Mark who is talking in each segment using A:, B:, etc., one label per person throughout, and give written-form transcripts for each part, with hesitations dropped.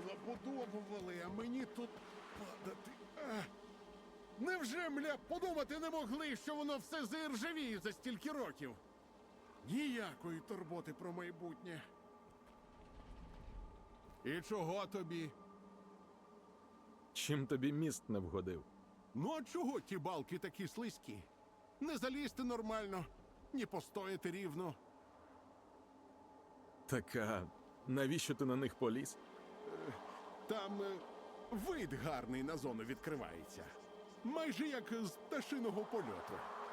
A: Забудовували, а мені тут падати. Невже, мля, подумати не могли, що воно все заіржавіє за стільки років? Ніякої турботи про майбутнє. І чого тобі?
B: Чим тобі міст не вгодив?
A: Ну а чого ті балки такі слизькі? Не залізти нормально, ні постояти рівно.
B: Так, а навіщо ти на них поліз?
A: Там вид гарний на зону відкривається. Майже як з пташиного польоту.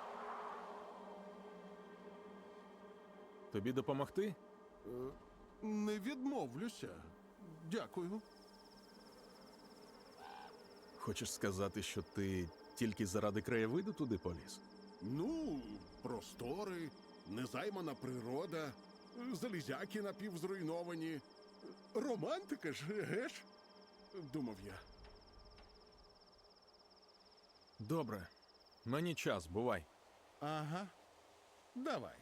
B: Тобі допомогти?
A: Не відмовлюся. Дякую.
B: Хочеш сказати, що ти тільки заради краєвиду туди поліз?
A: Ну, простори, незаймана природа, залізяки напівзруйновані. Романтика ж, геш? Думав я.
B: Добре. Мені час, бувай.
A: Ага. Давай.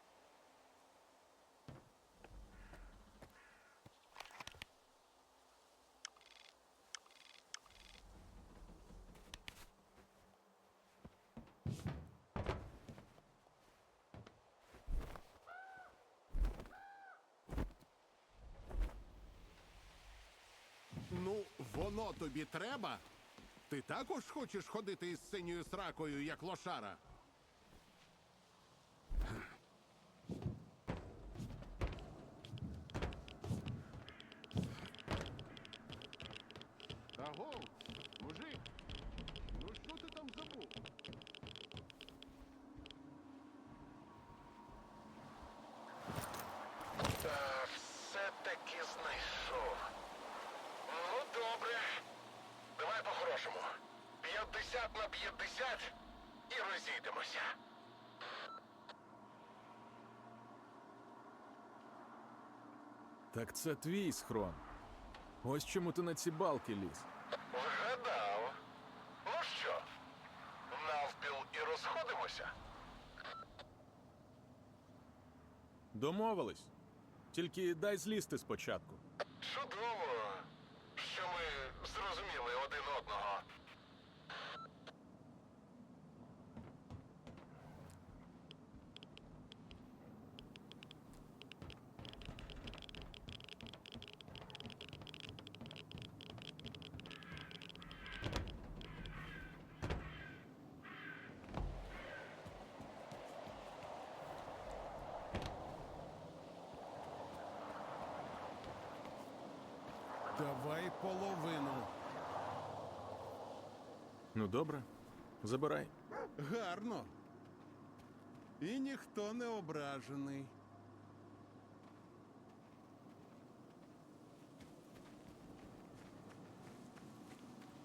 A: Ну, воно тобі треба? Ти також хочеш ходити із синьою сракою, як лошара? Агов, мужик, ну що ти там забув?
C: Все-таки знайшов. Ну, добре. Давай по-хорошому. 50/50 і розійдемося.
B: Так це твій схрон. Ось чому ти на ці балки ліз.
C: Вгадав. Ну що, навпіл і розходимося?
B: Домовились. Тільки дай злізти спочатку.
C: Чудово, що ми зрозуміли один одного.
A: Давай половину.
B: Ну добре, забирай.
A: Гарно. І ніхто не ображений.